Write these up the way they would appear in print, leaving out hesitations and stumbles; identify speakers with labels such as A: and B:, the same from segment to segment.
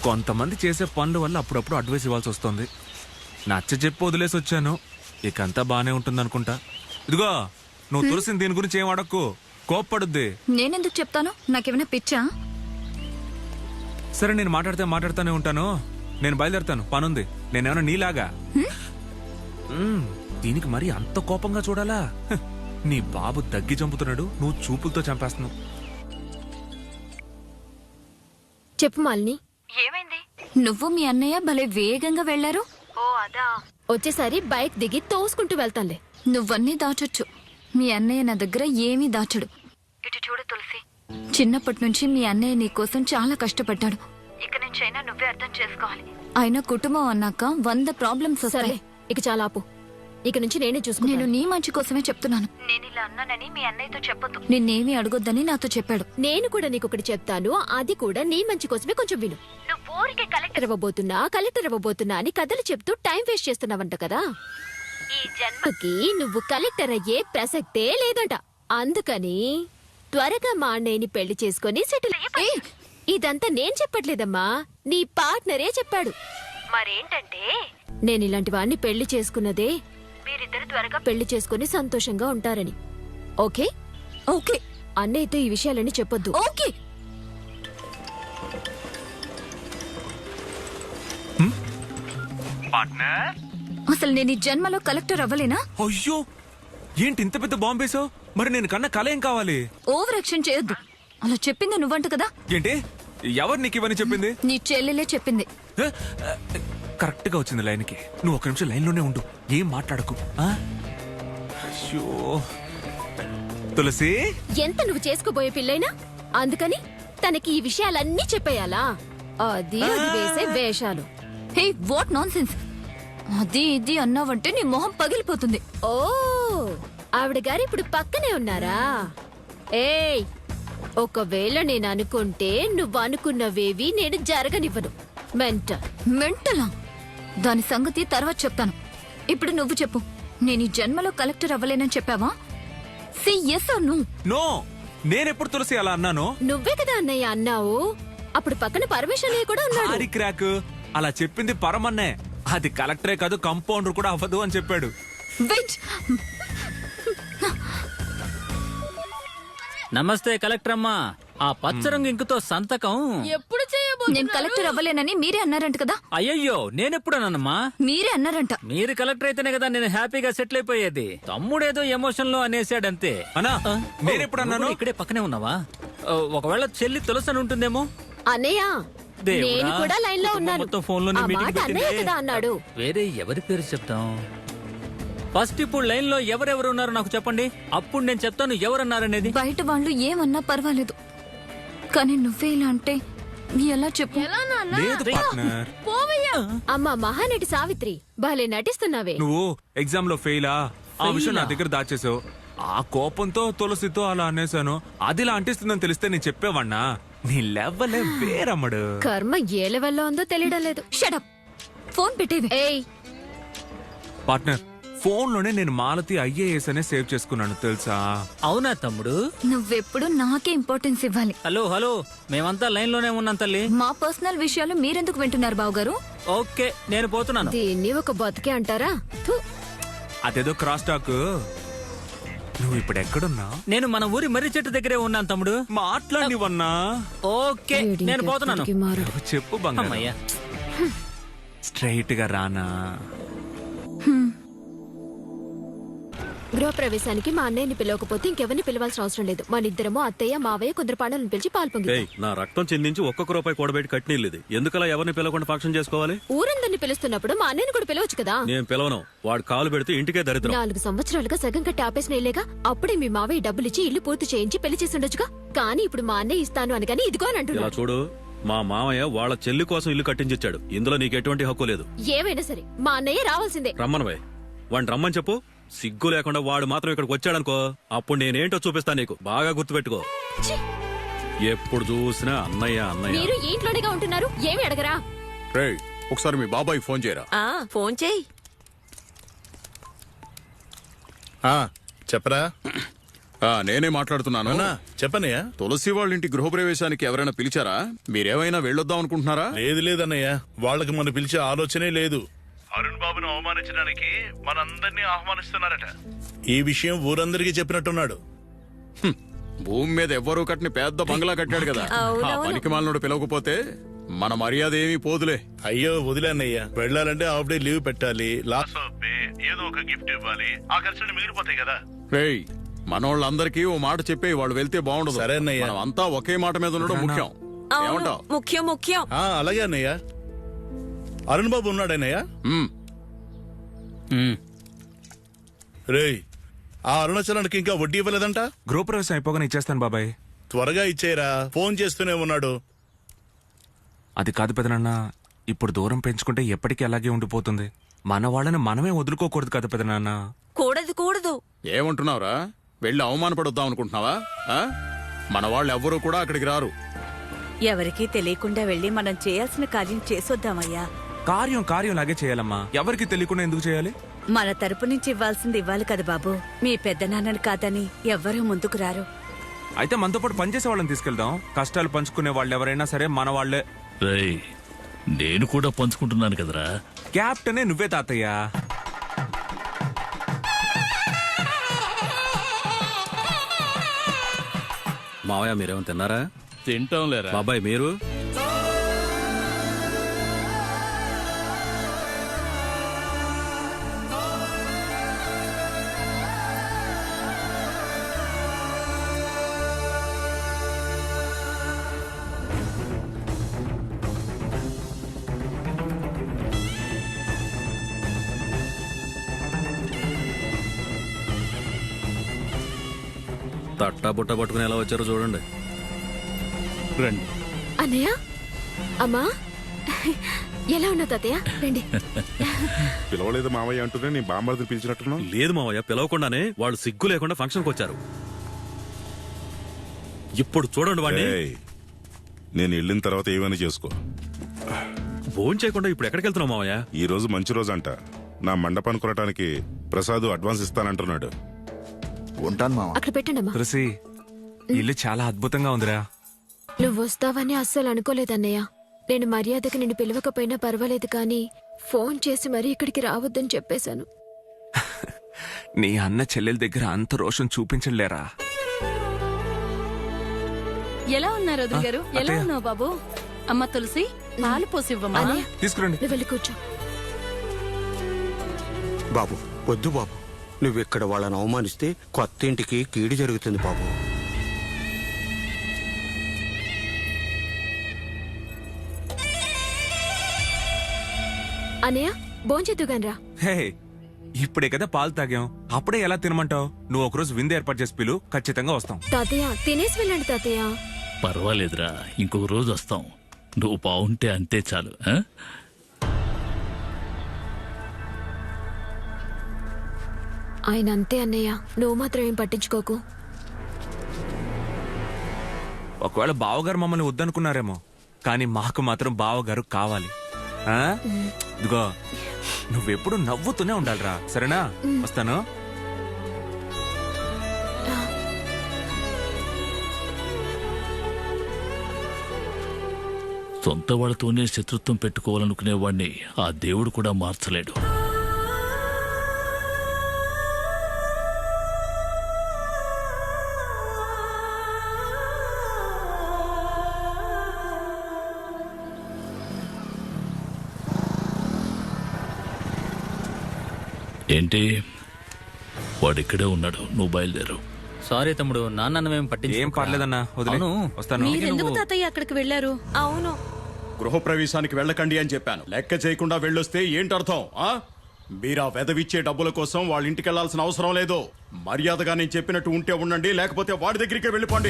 A: కొంతమంది చేసే పనుల వల్ల అప్పుడప్పుడు అడ్వైస్ ఇవ్వాల్సి వస్తుంది. నచ్చ చెప్పి వదిలేసి వచ్చాను. ఇకంతా బానే ఉంటుందనుకుంటా. ఇదిగో నువ్వు తులసిని దీని గురించి ఏం అడక్కు, కోప్పడుద్ది.
B: నేనెందుకు చెప్తాను? నాకేమైనా పిచ్చా?
A: సరే, నేను మాట్లాడుతూనే ఉంటాను. నేను బయలుదేరుతాను, పనుంది. నేనేమన్నా నీలాగా దీనికి మరి అంత కోపంగా చూడాలా? నీ బాబు దగ్గి చంపుతున్నాడు, నువ్వు చూపులతో చంపేస్తున్నావు.
C: చెప్పు మాలిని.
B: ఏమైంది? నువ్వు మీ అన్నయ్య భలే వేగంగా వెళ్లారు.
C: వచ్చేసారి బైక్ దిగి తోసుకుంటూ వెళ్తానులే.
B: నువ్వన్నీ దాచొచ్చు, మీ అన్నయ్య నా దగ్గర ఏమీ దాచడు. ఇటు చూడు తులసి, చిన్నప్పటి నుంచి మీ అన్నయ్య నీ కోసం చాలా కష్టపడ్డాడు. ఇక నుంచైనా నువ్వే అర్థం చేసుకోవాలి. ఆయన కుటుంబం అన్నాక 100 ప్రాబ్లమ్స్ వస్తాయి.
C: ఇక చాలా ఆపు. ఇక నుంచి నేనే చూసుకున్నాను.
B: నేను నీ మంచి కోసమే చెప్తున్నాను. నేను ఇలా అన్నానని మీ అన్నయ్యతో చెప్పొద్దు. నిన్నేమీ అడగొద్దని నాతో చెప్పాడు.
C: నేను కూడా నీకొకటి చెప్తాను, అది కూడా నీ మంచి కోసమే. కొంచెం విను. నువ్వు ఊరికే కలెక్టర్ ఇవ్వబోతున్నా అని కథలు చెప్తూ టైం వేస్ట్ చేస్తున్నావంట కదా. ఈ జన్మకి నువ్వు కలెక్టర్ అయ్యే ప్రసక్తే లేదంట. అందుకని త్వరగా మా అన్నయ్యని పెళ్లి చేసుకుని సెటిల్ అయ్యే. ఇదంతా నేను చెప్పట్లేదమ్మా, నీ పార్ట్నరే చెప్పాడు. మరేంటంటే నేను ఇలాంటి వాడిని పెళ్లి చేసుకున్నదే మీరిద్దరు త్వరగా పెళ్లి చేసుకుని సంతోషంగా ఉంటారని. ఓకే?
B: ఓకే.
C: అన్నయ్యతో ఈ విషయాలన్నీ చెప్పొద్దు.
B: ఓకే. అసలు నేను ఈ జన్మలో కలెక్టర్ అవ్వలేనా?
A: అయ్యో, ఏంటి ఇంత పెద్ద బాంబేసావు? మరి నేను కన్నా కళ ఏం కావాలి?
B: ఓవర్ యాక్షన్ చేయొద్దు. అలా చెప్పింది నువ్వంట కదా.
A: ఏంటి? ఎవరు నీకు ఇవన్నీ చెప్పింది?
B: నీ చెల్లెలే చెప్పింది.
A: కరెక్ట్ గా వచ్చింది లైన్కి. నువ్వు ఒక నిమిషం లైన్లోనే ఉండు, ఏం మాట్లాడకు. అయ్యో తులసి,
C: ఎంత నువ్వు చేసుకోబోయే పిల్లైనా అందుకని తనకి ఈ విషయాలన్నీ చెప్పేయాలా? అది వేసే వేషాలు.
B: Hey, what nonsense! అది ఇది అన్నావంటే నీ మొహం పగిలిపోతుంది.
C: ఓ, ఆవిడ గారు ఇప్పుడు పక్కనే ఉన్నారా? ఏయ్, ఒకవేళ నేను అనుకుంటే నువ్వు అనుకున్నవేవి నేను జరగనివ్వను.
B: మెంటలా? దాని సంగతి తర్వాత చెప్తాను. ఇప్పుడు నువ్వు చెప్పు, నేను ఈ జన్మలో కలెక్టర్ అవ్వలేనని చెప్పావా? Say yes or no?
A: No, నేనెప్పుడు తులసి అలా అన్నాను?
C: నువ్వే కదా అన్నయ్య అన్నావు. అప్పుడు పక్కన పరమేశ్వరయ్య కూడా ఉన్నాడు.
A: ఆడి క్రాక్ అలా చెప్పింది పరమన్నే. అది కలెక్టరే కాదు, కంపౌండర్ కూడా అవ్వదు అని చెప్పాడు.
B: వెయిట్.
D: నమస్తే కలెక్టర్ అమ్మా. ఆ పచ్చరంగు ఇంకుతో సంతకం
C: ఎప్పుడు
B: నేను కలెక్టర్ అవ్వలేనని మీరే అన్నారంట కదా.
D: అయ్యయ్యో, నేనెప్పుడన్నానమ్మా?
B: మీరే అన్నారంట.
D: మీరు కలెక్టర్ అయితేనే కదా నేను హ్యాపీగా సెటిల్ అయిపోయేది. తమ్ముడేదో ఎమోషన్ లో అనేసాడంతే.
A: అన్నా, నేనెప్పుడు అన్నాను?
D: ఇక్కడే పక్కనే ఉన్నావా? ఒకవేళ చెల్లి తులసని ఉంటుందేమో.
C: అన్నయ్య,
D: దేవుడా,
C: నేను కూడా లైన్ లో ఉన్నాను.
D: మొత్తం ఫోన్లోనే
C: ఆ
D: మీటింగ్
C: మాట అన్నయ్య
D: పెట్టిందే.
C: కదా అన్నాడు.
D: వేరే ఎవరి పేరు చెప్తాం? ఫస్ట్ ఇప్పుడు లైన్ లో ఎవరెవరు ఉన్నారో నాకు చెప్పండి, అప్పుడు నేను చెప్తాను ఎవరన్నారనేది.
B: బయట వాళ్ళు ఏమన్నా పర్వాలేదు, కానీ నువ్వే ఇలా అంటే ఎలా చెప్పు?
A: లేదు పార్ట్నర్.
C: అమ్మా మహానటి సావిత్రి, భలే నటిస్తున్నావే.
A: నువ్వు ఎగ్జామ్ లో ఫెయిలా? ఆ విషయం నా దగ్గర దాచేసావు. ఆ కోపంతో తులసితో అలా అనేసాను. అది ఇలా అంటిస్తుందని తెలిస్తే నేను చెప్పేవాణ్ణా? నీ లెవెలే వేరమ్మడు.
C: కర్మ ఏ లెవెల్లో ఉందో తెలియడం లేదు.
B: షటప్, ఫోన్ పెట్టేవి.
C: ఏయ్,
A: పార్ట్నర్, ఫోన్ లోనే నేను మాలతి IAS అనే సేవ్ చేసుకున్నాను తెలుసా?
D: అవునా తమ్ముడు?
B: నువ్వెప్పుడు నాకే ఇంపార్టెన్స్ ఇవ్వాలి.
D: హలో హలో, మేమంతా లైన్ లోనే ఉన్నాం తల్లి.
B: మా పర్సనల్ విషయాలు మీరెందుకు వింటున్నారు బావగారు?
D: ఓకే, నేను పోతున్నాను.
C: దీన్ని ఒక బతుకే అంటారా? థు.
A: అదేదో క్రాస్ టాక్. నువ్వు ఇప్పుడు ఎక్కడున్నా?
D: నేను మన ఊరి మర్రి చెట్టు దగ్గరే ఉన్నాను తమ్ముడు.
A: మాట్లాడివన్నా?
D: ఓకే, నేను పోతున్నాను.
C: ఎక్కడికి మారడు.
A: చెప్పు బంగారం.
D: అమ్మయ్యా.
A: స్ట్రైట్ గా రానా?
C: గృహప్రవేశానికి మా అన్నయ్యని పిలవకపోతే ఇంకెవరిని పిలవాల్సిన అవసరం లేదు. మన ఇద్దరము అత్తయ్య మావయ్య కొందరు పాండవులను పిలిచి పాల్పొంగి
E: నా రక్తం చెందించి ఒక్కొక్క రూపాయి కూడబెట్టి కట్టినీళ్ళది. ఎందుకలా ఎవరిని పిలవకుండా ఫంక్షన్ చేసుకోవాలి?
C: ఊరందరిని పిలుస్తున్నప్పుడు మా అన్నయ్యని కూడా పిలవచ్చు కదా.
E: నేను పిలవను. వాడు కాలు పెడితే ఇంటికే దరిద్రం.
C: 4 సంవత్సరాలుగా సగం కట్టి ఆపేసిన ఇల్లేగా. అప్పుడే మీ మావయ్య డబ్బులిచ్చి ఇల్లు పూర్తి చేయించి పెళ్లి చేసి ఉండొచ్చుగా. కానీ ఇప్పుడు మా అన్నయ్య ఇస్తాను అనగాని ఇదిగో అని
E: ఇలా
C: అంటున్నాడు.
E: చూడు, మా మామయ్య వాళ్ళ చెల్లి కోసం ఇల్లు కట్టించిచ్చాడు. ఇందులో నీకు ఎటువంటి హక్కు లేదు.
C: ఏమైనా సరే మా అన్నయ్య రావాల్సిందే.
E: రమ్మనవే, వాడిని రమ్మని చెప్పు. సిగ్గు లేకుండా వాడు మాత్రం ఇక్కడికి వచ్చాడనుకో, అప్పుడు నేనేంటో చూపిస్తాను నీకు. బాగా గుర్తుపెట్టుకో. ఎప్పుడు చూసినా అన్నయ్య అన్నయ్య.
C: మీరు ఈ ఇంట్లోనేగా ఉంటున్నారు, ఏమి అడగరా?
F: రేయ్, ఒకసారి మీ బాబాయ్ ఫోన్ చేయరా.
C: ఫోన్ చేయి.
F: చెప్పరా. నేనే మాట్లాడుతున్నాను.
G: అన్నా చెప్పనయ్యా.
F: తులసి వాళ్ళ ఇంటి గృహప్రవేశానికి ఎవరైనా పిలిచారా? మీరేమైనా వెళ్ళొద్దాం అనుకుంటున్నారా?
G: లేదు లేదన్నయ్య, వాళ్ళకి మనం పిలిచే ఆలోచనే లేదు. అరుణ్ బాబును అవమానించడానికి మనందరినీ ఆహ్వానిస్తున్నారట. ఈ విషయం ఊరందరికీ చెప్పినట్టున్నాడు.
F: భూమి మీద ఎవ్వరూ కట్టిన పెద్ద బంగ్లా కట్టాడు కదా, ఆ పనికి మాలినోడు పిలవకపోతే మన మర్యాద ఏమీ పోదులే.
G: అయ్యో వదిలేన్నయ్యా, వెళ్ళాలంటే హాఫ్ డే లీవ్ పెట్టాలి, లాస్ ఆఫ్ పే, ఏదో ఒక గిఫ్ట్ ఇవ్వాలి. ఆ ఖర్చులు మిగిలిపోతాయి కదా.
F: రేయ్, మనోళ్ళందరికీ ఓ మాట చెప్పి వాళ్ళు వెళ్తే బాగుండదు.
G: సరే అన్నయ్య.
F: మనం అంతా ఒకే మాట మీద ఉండడం ముఖ్యం. ఏమంటావ్?
H: ముఖ్యం
G: అలాగే అన్నయ్య. అరుణ్ బాబు ఉన్నాడన్నయ్య. రేయ్, ఆ అరుణాచలానికి ఇంకా వడ్డీ ఇవ్వలేదంట.
A: గృహప్రవేశం అయిపోగానే ఇచ్చేస్తాను బాబాయ్.
G: త్వరగా ఇచ్చేయరా, ఫోన్ చేస్తూనే ఉన్నాడు.
A: అది కాదు పెదనాన్న, ఇప్పుడు దూరం పెంచుకుంటే ఎప్పటికీ అలాగే ఉండిపోతుంది. మన వాళ్ళని మనమే వదులుకోకూడదు కదా పెదనాన్న.
H: కూడదు
F: ఏమంటున్నావురా? వెళ్ళి అవమానపడొద్దాం అనుకుంటున్నావా? మన వాళ్ళు ఎవ్వరూ కూడా అక్కడికి రారు.
H: ఎవరికీ తెలియకుండా వెళ్ళి మనం చేయాల్సిన కార్యం చేసొద్దామయ్యా.
A: కార్యం లాగే చేయాలమ్మా. ఎవరికి తెలియకుండా ఎందుకు చేయాలి?
H: మన తరపు నుంచి ఇవ్వాల్సింది ఇవ్వాలి కదా బాబు. మీ పెద్దనాన్నని కాదని ఎవ్వరూ ముందుకు రారు.
A: అయితే మనతో పాటు పనిచేసే వాళ్ళని తీసుకెళ్దాం. కష్టాలు పంచుకునే వాళ్ళు ఎవరైనా సరే మన వాళ్లే.
I: రేయ్, నేను కూడా పంచుకుంటున్నాను కదరా.
A: క్యాప్టెనే నువ్వే తాతయ్య.
E: మావయ్య మీరేమైనా తిన్నారా?
I: తింటాం లేరా.
E: బాబాయ్ మీరు? తట్టా బుట్ట పట్టుకుని ఎలా వచ్చారో చూడండి.
I: రండి.
C: అన్నయ్య, అమ్మా, ఎలా ఉన్నావు తాతయ్య? రండి.
J: పిలవలేదు మావయ్య అంటూనే నీ బామ్మర్దిని పిలిచినట్టున్నావు.
E: లేదు మావయ్య, పిలవకుండానే వాళ్ళు సిగ్గు లేకుండా ఫంక్షన్కి వచ్చారు. ఇప్పుడు చూడండి వాడిని.
J: ఏయ్, నేను వెళ్ళిన తర్వాత ఏమైనా చేసుకో.
E: ఫోన్ చేయకుండా ఇప్పుడు ఎక్కడికి వెళ్తున్నావు మావయ్య?
J: ఈ రోజు మంచి రోజు అంట. నా మండపాన్ని కొనటానికి ప్రసాద్ అడ్వాన్స్ ఇస్తానంటున్నాడు.
K: ఉంటాను మామ.
C: అక్కడ పెట్టండి అమ్మా.
A: తులసి, ఇల్లు చాలా అద్భుతంగా ఉందిరా.
C: నువ్వు వస్తావని అస్సలు అనుకోలేదన్నయ్య. నేను మర్యాదకి నిన్ను పిలవకపోయినా పర్వాలేదు, కానీ ఫోన్ చేసి మరీ ఇక్కడికి రావద్దని చెప్పేశాను.
A: నీ అన్న చెల్లెల దగ్గర అంత రోషం చూపించలేరా?
H: ఎలా ఉన్నారు వదిన గారు? ఎలా
A: అత్తయ్య.
H: ఉన్నావు బాబు? అమ్మ తులసి, పాలు పోసివ్వమ్మా.
C: అన్నయ్య,
A: తీసుకురండి.
C: నువ్వు వెళ్ళి కూర్చో.
K: బాబు వద్దు బాబు, నువ్విక్కడ వాళ్ళని అవమానిస్తే కొత్త ఇంటికి కీడు జరుగుతుంది బాబు.
C: అన్నయ్య, భోంచేద్దుగానరా.
A: హే, ఇప్పుడే కదా పాలు తాగాం, అప్పుడే ఎలా తినమంటావు? నువ్వు ఒకరోజు విందు ఏర్పాటు చేసి పిలు, ఖచ్చితంగా వస్తాం.
C: తాతయ్య, తినేసి వెళ్ళండి తాతయ్య.
I: పర్వాలేదురా, ఇంకొక రోజు వస్తాం. నువ్వు బాగుంటే అంతే చాలు.
C: ఆయన అంతే అన్నయ్య, నువ్వు మాత్రం ఏం పట్టించుకోకు.
A: ఒకవేళ బావగారు మమ్మల్ని వద్దనుకున్నారేమో, కానీ మాకు మాత్రం బావగారు కావాలి. ఆ? ఇదిగో, నువ్వెప్పుడు నవ్వుతూనే ఉండాలిరా, సరేనా? వస్తాను.
I: సొంత వాళ్ళతోనే శత్రుత్వం పెట్టుకోవాలనుకునేవాడిని ఆ దేవుడు కూడా మార్చలేడు. ఏంటి, వాడిక్కడే ఉన్నాడు, నువ్వు బయలుదేరు.
D: సారీ తమ్ముడు, నాన్నమేం పట్టించి
A: ఏం పర్లేదన్నా, వదిలే. వస్తాను.
H: మీరెందుకు తాతయ్య అక్కడికి వెళ్ళారు? అవును,
F: గృహప్రవేశానికి వెళ్ళకండి అని చెప్పాను. లెక్క చేయకుండా వెళ్ళొస్తే ఏంటర్థం? మీరా వెదవిచ్చే డబ్బుల కోసం వాళ్ళ ఇంటికి వెళ్లాల్సిన అవసరం లేదు. మర్యాదగా నేను చెప్పినట్టు ఉంటే ఉండండి, లేకపోతే వాడి దగ్గరికే వెళ్ళిపోండి.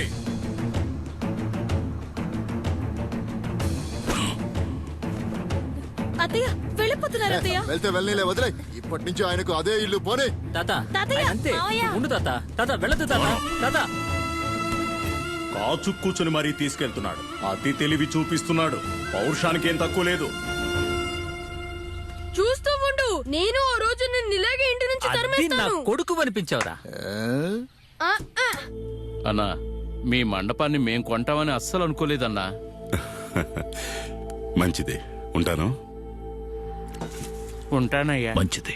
H: అత్తయ్య వెళ్ళిపోతున్నారు. అత్తయ్య
K: వెళ్తే వెళ్ళలే, వదిలే. ఇప్పటి నుంచి ఆయనకు అదే ఇల్లు, పోనీ.
D: తాత,
H: తాతయ్య,
D: ఆయన అంతే.
H: మావయ్య.
D: ఉండు తాత. తాత వెళ్ళదు తాత. తాత
F: కాచు కూర్చుని మరీ తీసుకెళ్తున్నాడు. అతి తెలివి చూపిస్తున్నాడు. పౌరుషానికి ఏం తక్కువ లేదు.
H: చూస్తూ ఉండు, నేను ఆ రోజు నిన్ను ఇలాగే ఇంటి నుంచి
D: అది నా
H: తరిమేస్తాను.
D: కొడుకు అనిపించావురా.
I: అన్నా మీ మండపాన్ని మేం కొంటామని అస్సలు అనుకోలేదన్నా.
J: మంచిది, ఉంటాను.
H: ఉంటానయ్యా.
I: మంచిది.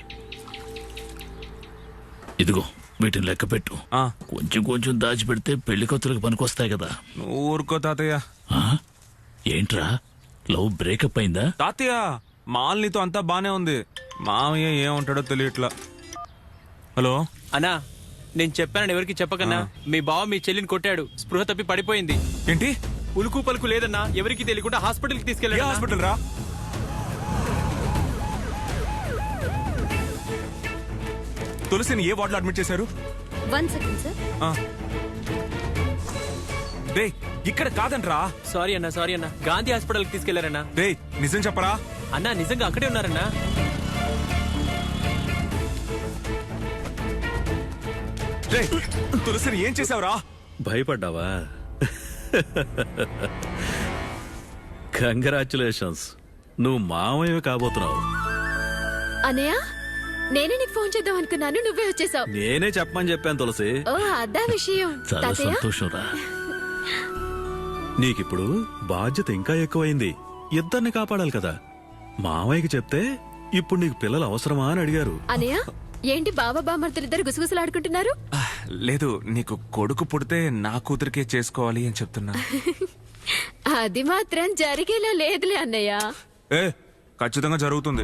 I: ఇదిగో వీటిని లెక్క పెట్టు.
A: ఆ,
I: కొంచెం కొంచెం దాచిపెడితే పెళ్లి కొత్తలకు పనికొస్తాయి కదా.
A: నువ్వు ఊరుకో తాతయ్య.
I: ఆ? ఏంట్రా లవ్ బ్రేకప్ అయిందా?
A: తాతయ్య మాలినితో అంతా బానే ఉంది. మామయ్య ఏముంటాడో తెలియట్లా. హలో
L: అన్నా, నేను చెప్పానని ఎవరికి చెప్పకన్నా. మీ బావ మీ చెల్లిని కొట్టాడు, స్పృహ తప్పి పడిపోయింది.
A: ఏంటి?
L: ఉలుకు పలుకు లేదన్నా, ఎవరికి తెలియకుండా హాస్పిటల్కి
A: ఏ
L: తీసుకెళ్ళాడు.
A: హాస్పిటల్ రా? తులసిని ఏ వార్డులో అడ్మిట్ చేశారు?
B: 1 సెకండ్ సార్.
A: రే ఇక్కడ కాదంట్రా.
L: సారీ అన్నా, గాంధీ హాస్పిటల్కి తీసుకెళ్లారన్నా.
A: రే నిజం చెప్పరా?
L: అన్నా నిజంగా అక్కడే ఉన్నారన్నా.
A: రే తులసిని ఏం చేసావురా?
E: భయపడ్డావా? కంగ్రాచులేషన్స్, నువ్వు మామయ్య కాబోతున్నావు.
C: అనయ్య, నేనే నీకు ఫోన్ చేద్దాం అనుకున్నాను, నువ్వే వచ్చేసావు.
E: నేనే చెప్పమని చెప్పాను తులసి.
C: ఓ అదా విషయం.
I: చాలా
C: తాతయ్య,
I: సంతోషంరా.
E: నీకిప్పుడు బాధ్యత ఇంకా ఎక్కువైంది. ఇద్దరిని కాపాడాలి కదా. మామయ్యకి చెప్తే ఇప్పుడు నీకు పిల్లలు అవసరమా అని అడిగారు.
C: అనయ్య, ఏంటి బావ బామర్తులిద్దరు గుసగుసలాడుకుంటున్నారు?
A: లేదు, నీకు కొడుకు పుడితే నా కూతురికే చేసుకోవాలి అని చెప్తున్నా.
C: అది మాత్రం జరిగేలా లేదులే అన్నయ్య.
A: ఏ ఖచ్చితంగా జరుగుతుంది.